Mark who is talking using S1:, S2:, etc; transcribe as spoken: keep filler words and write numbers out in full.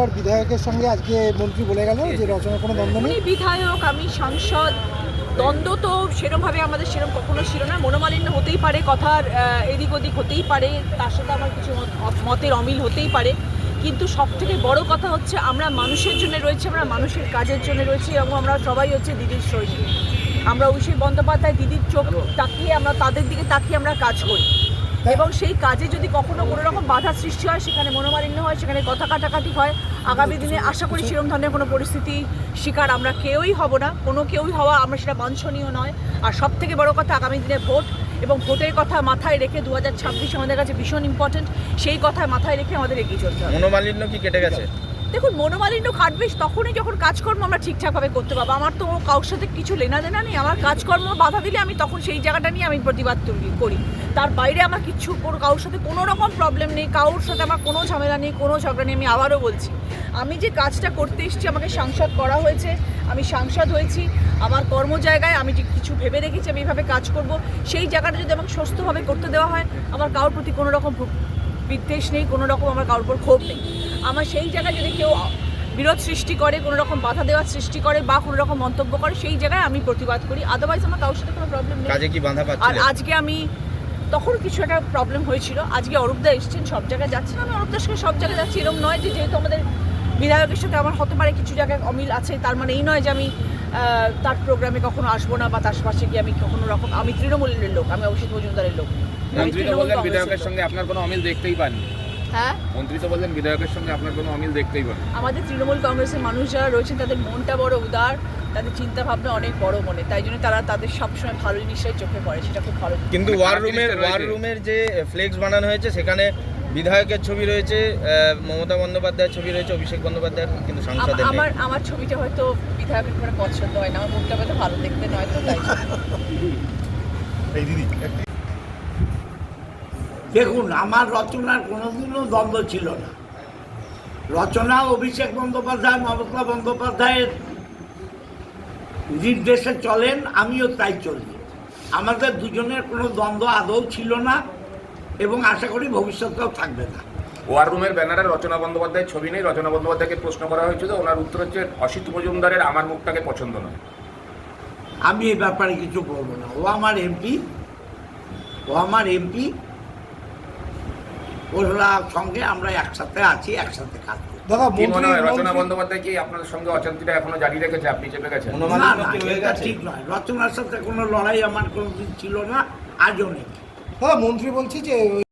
S1: এবার বিধায়কের সঙ্গে আজকে মন্ত্রী বলে গেল যে রচনার কোনো দ্বন্দ্ব নেই।
S2: বিধায়ক, আমি সাংসদ, দ্বন্দ্ব তো সেরমভাবে আমাদের সেরকম কখনো ছিল না। মনোমালিন্য হতেই পারে, কথার এদিক ওদিক হতেই পারে, তার সাথে আমার কিছু মতের অমিল হতেই পারে, কিন্তু সব থেকে বড় কথা হচ্ছে আমরা মানুষের জন্য রয়েছি, আমরা মানুষের কাজের জন্য রয়েছি এবং আমরা সবাই হচ্ছে দিদির সৈনিক। আমরা অভিষেক বন্দ্যোপাধ্যায় দিদির চোখ তাকিয়ে আমরা তাদের দিকে তাকিয়ে আমরা কাজ করি এবং সেই কাজে যদি কখনো কোনো রকম বাধা সৃষ্টি হয়, সেখানে মনোমালিন্য হয়, সেখানে কথা কাটাকাটি হয়, আগামী দিনে আশা করি সেরকম ধরনের কোনো পরিস্থিতি শিকার আমরা কেউই হব না, কোনো কেউই হওয়া আমরা সেটা বাঞ্ছনীয় নয়। আর সব থেকে বড় কথা আগামী দিনে ভোট এবং ভোটের কথা মাথায় রেখে দু হাজার ছাব্বিশ আমাদের কাছে ভীষণ ইম্পর্টেন্ট, সেই কথা মাথায় রেখে আমাদের এগিয়ে চলতে হবে।
S3: মনোমালিন্য কি কেটে গেছে?
S2: দেখুন, মনোমালিন্য কাটবে তখনই যখন কাজকর্ম আমরা ঠিকঠাকভাবে করতে পারবো। আমার তো কারোর সাথে কিছু লেনা দেনা নেই, আমার কাজকর্ম বাধা দিলে আমি তখন সেই জায়গাটা নিয়ে আমি প্রতিবাদ করি। তার বাইরে আমার কিচ্ছু কোনো কারোর সাথে কোনো রকম প্রবলেম নেই, কারোর সাথে আমার কোনো ঝামেলা নেই, কোনো ঝগড়া নেই। আমি আবারও বলছি, আমি যে কাজটা করতে এসেছি, আমাকে সাংসদ করা হয়েছে, আমি সাংসদ হয়েছি, আমার কর্ম জায়গায় আমি যে কিছু ভেবে রেখেছি আমি এইভাবে কাজ করব, সেই জায়গাটা যদি আমাকে সুস্থভাবে করতে দেওয়া হয়, আমার কারোর প্রতি কোনো রকম বিদ্বেষ নেই, কোনো রকম আমার কারোর উপর ক্ষোভ নেই। আমার সেই জায়গায় যদি কেউ বিরোধ সৃষ্টি করে, কোনো রকম বাধা দেওয়ার সৃষ্টি করে বা কোনো রকম মন্তব্য করে, সেই জায়গায় আমি প্রতিবাদ করি। আদারওয়াইজ আমার কারোর সাথে কোনো প্রবলেম নেই।
S3: কাজে কি বাধা
S2: আর
S3: পাচ্ছিলেন?
S2: আজকে আমি তখন কিছু একটা প্রবলেম হয়েছিল, আজকে অরূপদা এসেছেন, সব জায়গায় যাচ্ছেন, আমি অরূপদার সঙ্গে সব জায়গায় যাচ্ছি। এরকম নয় যে যেহেতু আমাদের বিধায়কের সাথে আমার হতে পারে কিছু জায়গায় অমিল আছে, তার মানে এই নয় যে আমি তার প্রোগ্রামে কখনো আসবো না বা তার পাশে গিয়ে আমি কখনো রকম, আমি তৃণমূলের লোক, আমি অভিষেক মজুমদারের লোক।
S4: মন্ত্রী তো বললেন বিধায়কের সঙ্গে আপনার কোনো অমিল দেখতেই পান।
S2: হ্যাঁ,
S4: মন্ত্রী তো বললেন বিধায়কের সঙ্গে আপনার কোনো অমিল দেখতেই পান।
S2: আমাদের তৃণমূল কংগ্রেসের মানুষ যারা রয়েছেন তাদের মনটা বড় উদার, তাদের চিন্তা ভাবনা অনেক বড় মনে, তাই জন্য তারা তাদের সবসময় ভালো জিনিসটাই চোখে পড়ে, সেটা খুব ভালো।
S3: কিন্তু ওয়ার রুমের ওয়ার রুমের যে ফ্লেক্স বানানো হয়েছে সেখানে বিধায়কের ছবি রয়েছে, মমতা বন্দ্যোপাধ্যায়ের ছবি রয়েছে, অভিষেক বন্দ্যোপাধ্যায় কিন্তু সাংসদের নেই।
S2: আমার আমার ছবিটা হয়তো বিধায়কের করে পছন্দ হয় না, আমার মুখটা হয়তো ভালো দেখতে নয়, তো তাই
S5: দেখুন, আমার রচনার কোনোদিনও দ্বন্দ্ব ছিল না। রচনা অভিষেক বন্দ্যোপাধ্যায়, মমতা বন্দ্যোপাধ্যায়ের নির্দেশে চলেন, আমিও তাই চলি। আমাদের দুজনের কোনো দ্বন্দ্ব আদৌ ছিল না এবং আশা করি ভবিষ্যতেও থাকবে না।
S4: ওয়ার রুমের ব্যানারে রচনা বন্দ্যোপাধ্যায়ের ছবি নেই। রচনা বন্দ্যোপাধ্যায়কে প্রশ্ন করা হয়েছিল, ওনার উত্তর হচ্ছে অসিত মজুমদারের আমার মুখটাকে পছন্দ নয়।
S5: আমি এই ব্যাপারে কিছু বলবো না। ও আমার এমপি, ও আমার এমপি, ওর সঙ্গে আমরা একসাথে আছি, একসাথে কাজ করি।
S1: দাদা,
S4: কি মনে হয় রচনা
S1: মন্ত্রী
S4: বন্দ্যোপাধ্যায় কি আপনাদের সঙ্গে অশান্তিটা এখনো জারি রেখেছে, আপনি চেপে গেছেন?
S5: না না, এটা ঠিক নয়। রচনার সাথে কোনো লড়াই আমার কোনোদিন ছিল না, আজও নেই।
S1: দাদা, মন্ত্রী বলছি যে